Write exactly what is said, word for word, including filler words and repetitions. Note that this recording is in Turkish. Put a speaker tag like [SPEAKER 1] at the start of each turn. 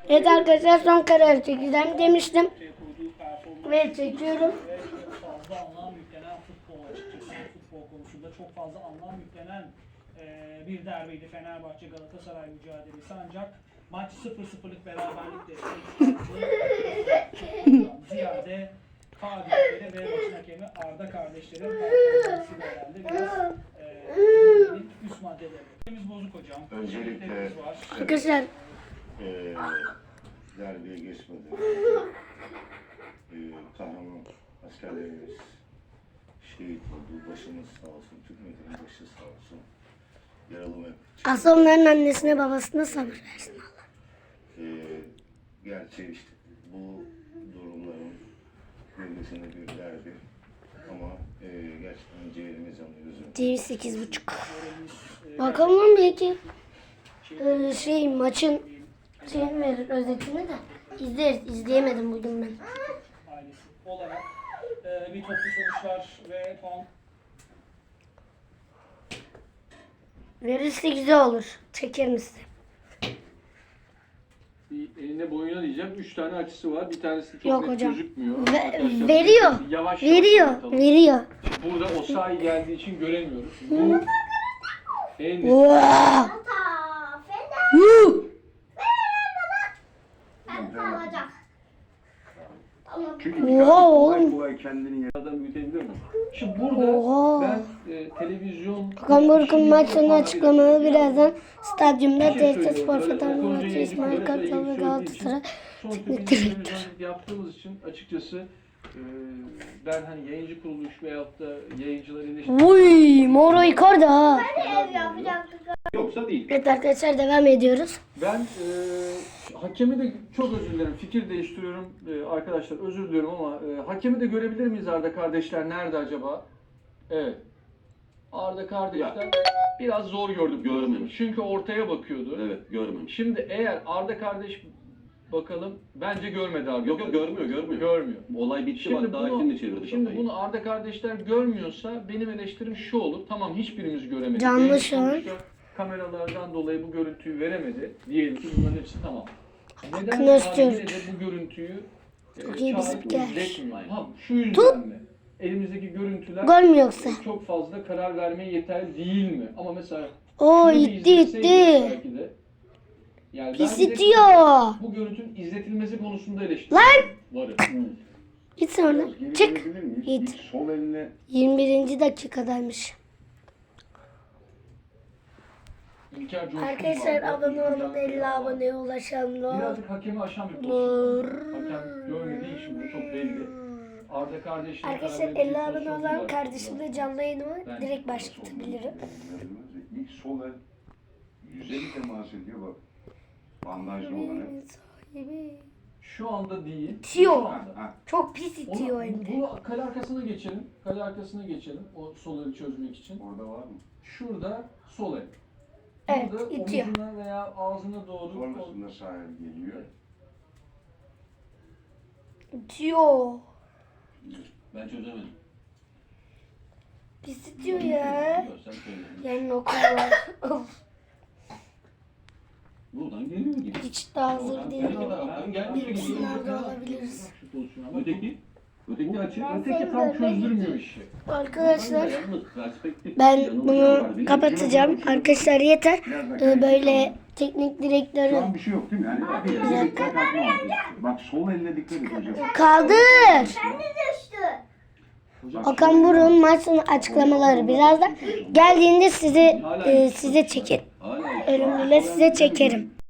[SPEAKER 1] Evet arkadaşlar, son kararı çekeceğim demiştim. Ve çekiyorum.
[SPEAKER 2] Çok fazla anlam yüklenen futbol açıkçası. Futbol konusunda çok fazla anlam yüklenen e, bir derbiydi Fenerbahçe Galatasaray mücadelesi, ancak maç sıfır sıfırlık beraberlikle ziyade faaliyetleri ve maçın hakemi Arda kardeşlerin performansıyla herhalde biraz e, üst maddeleri. Biz bozuk hocam.
[SPEAKER 3] Öncelikle
[SPEAKER 1] Arkadaşlar
[SPEAKER 3] e, derbiye geçmeden e, kahraman askerlerimiz şehit oldu. Başımız sağ olsun. Türk milletinin başı sağ olsun. Yaralı ve
[SPEAKER 1] asıl onların annesine babasına sabır versin Allah.
[SPEAKER 3] e, gerçi işte bu durumların bölgesinde bir derbi ama e, gerçekten ciğerimiz yanıyor. Üzüm.
[SPEAKER 1] Değil sekiz buçuk. Bakalım belki e, şey maçın şeyini verir, özetini de izleriz. İzleyemedim bugün ben.
[SPEAKER 2] Ailesi olarak e, bir toplu sonuçlar ve puan
[SPEAKER 1] Verirse güzel olur. Çekerim size.
[SPEAKER 4] Bir eline boyuna diyeceğim. Üç tane açısı var. Bir tanesi çok
[SPEAKER 1] Yok
[SPEAKER 4] net
[SPEAKER 1] hocam.
[SPEAKER 4] gözükmüyor.
[SPEAKER 1] Ve-
[SPEAKER 4] Arkadaşlar,
[SPEAKER 1] veriyor.
[SPEAKER 4] Yavaş
[SPEAKER 1] Veriyor.
[SPEAKER 4] yavaş bakalım.
[SPEAKER 1] Veriyor.
[SPEAKER 4] Burada Osayi geldiği için göremiyoruz. Bu en net.
[SPEAKER 1] Vaa!
[SPEAKER 3] Çünkü
[SPEAKER 1] Oha oğlum.
[SPEAKER 3] kolay kendini
[SPEAKER 4] Adam büyütebilir mi? Şimdi burada
[SPEAKER 1] Oha.
[SPEAKER 4] ben e, televizyon...
[SPEAKER 1] Hakan Buruk'un maç sonu
[SPEAKER 4] Şimdi-
[SPEAKER 1] açıklamaları birazdan stadyumda
[SPEAKER 4] Bir şey
[SPEAKER 1] T S Spor
[SPEAKER 4] söylüyorum.
[SPEAKER 1] Fener
[SPEAKER 4] Konuya
[SPEAKER 1] Maçı
[SPEAKER 4] ilgili
[SPEAKER 1] İsmail
[SPEAKER 4] böyle
[SPEAKER 1] Kartal ve
[SPEAKER 4] ilgili söylediği
[SPEAKER 1] Galatasaray
[SPEAKER 4] için sonuçta
[SPEAKER 1] teknik
[SPEAKER 4] biz
[SPEAKER 1] direktör.
[SPEAKER 4] televizyon yaptığımız için açıkçası e, ben hani yayıncı kuruluş veyahut da yayıncıları eleştiriyorum.
[SPEAKER 1] Uy, Moro Icardi ha.
[SPEAKER 4] Yoksa değil.
[SPEAKER 1] Evet arkadaşlar, devam ediyoruz.
[SPEAKER 4] Ben e, hakemi de çok özür dilerim. Fikir değiştiriyorum e, arkadaşlar. Özür diliyorum ama e, hakemi de görebilir miyiz Arda kardeşler? Nerede acaba? Evet. Arda kardeşler biraz zor gördük.
[SPEAKER 5] Görmemiş.
[SPEAKER 4] Çünkü ortaya bakıyordu.
[SPEAKER 5] Evet, görmemiş.
[SPEAKER 4] Şimdi eğer Arda kardeş bakalım, bence görmedi Arda.
[SPEAKER 5] Yok yok görmüyor, görmüyor.
[SPEAKER 4] Görmüyor.
[SPEAKER 5] Olay bitti
[SPEAKER 4] Şimdi
[SPEAKER 5] bak daha
[SPEAKER 4] bunu,
[SPEAKER 5] şimdi çevirdi
[SPEAKER 4] şimdi
[SPEAKER 5] kafayı.
[SPEAKER 4] bunu Arda kardeşler görmüyorsa benim eleştirim şu olur. Tamam, hiçbirimiz göremedik.
[SPEAKER 1] Canlı
[SPEAKER 4] Yayın
[SPEAKER 1] şu an.
[SPEAKER 4] sonuçta kameralardan dolayı bu görüntüyü veremedi. Diyelim ki bunların hepsi tamam. Neden
[SPEAKER 1] Hakkını
[SPEAKER 4] yani
[SPEAKER 1] istiyoruz.
[SPEAKER 4] yine de bu görüntüyü e,
[SPEAKER 1] Çok iyi bir
[SPEAKER 4] çağırıp
[SPEAKER 1] spiker.
[SPEAKER 4] izletmiyor? Ha, şu yüzden mi? Elimizdeki görüntüler
[SPEAKER 1] Gol mü yoksa?
[SPEAKER 4] çok fazla karar vermeye yeterli değil mi? Ama mesela
[SPEAKER 1] Oo,
[SPEAKER 4] şunu bir
[SPEAKER 1] itti
[SPEAKER 4] izletseydik
[SPEAKER 1] itti.
[SPEAKER 4] belki de, yani
[SPEAKER 1] Pis
[SPEAKER 4] ben de
[SPEAKER 1] itiyor.
[SPEAKER 4] bu görüntünün izletilmesi konusunda eleştiri
[SPEAKER 1] Lan!
[SPEAKER 4] varım.
[SPEAKER 1] Git sonra.
[SPEAKER 3] Geri
[SPEAKER 1] Çık.
[SPEAKER 3] dönebilir miyiz?
[SPEAKER 1] Git.
[SPEAKER 3] İlk sol eline
[SPEAKER 1] yirmi birinci dakikadaymış.
[SPEAKER 4] İlker Coşkun
[SPEAKER 1] Arkadaşlar
[SPEAKER 4] vardı.
[SPEAKER 1] abone olun,
[SPEAKER 4] İlker-
[SPEAKER 1] elli aboneye ulaşalım.
[SPEAKER 4] Birazcık hakemi aşan bir pozisyon. Hakem görmediği için bu çok belli. Arda kardeşim.
[SPEAKER 1] Arkadaşlar elli abone olan kardeşimle canlı yayınımı
[SPEAKER 4] Ben-
[SPEAKER 1] direkt başlatabilirim.
[SPEAKER 3] ilk sol el yüzeli temas ediyor bak. Bandajlı olan el.
[SPEAKER 1] Sahibi.
[SPEAKER 4] Şu anda değil.
[SPEAKER 1] İtiyor.
[SPEAKER 4] Şu anda.
[SPEAKER 3] Ha,
[SPEAKER 1] Çok pis itiyor
[SPEAKER 4] Onu,
[SPEAKER 1] hem de.
[SPEAKER 4] bu kale arkasına geçelim. Kale arkasına geçelim. O sol eli çözmek için.
[SPEAKER 3] orada var mı?
[SPEAKER 4] Şurada sol el.
[SPEAKER 1] Evet,
[SPEAKER 4] Burada
[SPEAKER 1] itiyor.
[SPEAKER 4] omuzuna veya ağzına doğru.
[SPEAKER 3] Sonrasında sağ el geliyor.
[SPEAKER 1] İtiyor.
[SPEAKER 5] Ben çözemedim.
[SPEAKER 1] Pis itiyor ya.
[SPEAKER 5] Yok, sen söyle.
[SPEAKER 1] Yarın okul var.
[SPEAKER 5] Buradan geliyor gibi.
[SPEAKER 1] Hiç de hazır değilim.
[SPEAKER 5] Oradan gelmiyor gibi.
[SPEAKER 1] Sınavda olabiliriz.
[SPEAKER 4] Şu pozisyona bak.
[SPEAKER 5] Öteki? Öteki açı.
[SPEAKER 4] Öteki tam çözdürmüyor işi.
[SPEAKER 1] Arkadaşlar
[SPEAKER 5] Yalnız perspektif
[SPEAKER 1] ben
[SPEAKER 5] yanılmış
[SPEAKER 1] bunu
[SPEAKER 5] var. Bir-
[SPEAKER 1] kapatacağım. Arkadaşlar yeter. Ee, böyle teknik
[SPEAKER 3] Şu
[SPEAKER 1] direktörü
[SPEAKER 3] an bir şey yok değil mi? Yani bir
[SPEAKER 1] dakika.
[SPEAKER 3] dikkat atma. Bak sol elle dikkat et hocam.
[SPEAKER 1] kaldır. Okan Buruk'un maç sonu açıklamaları birazdan geldiğinde size e, size çekerim.
[SPEAKER 5] Hala
[SPEAKER 1] Ölümlüyle size çekerim.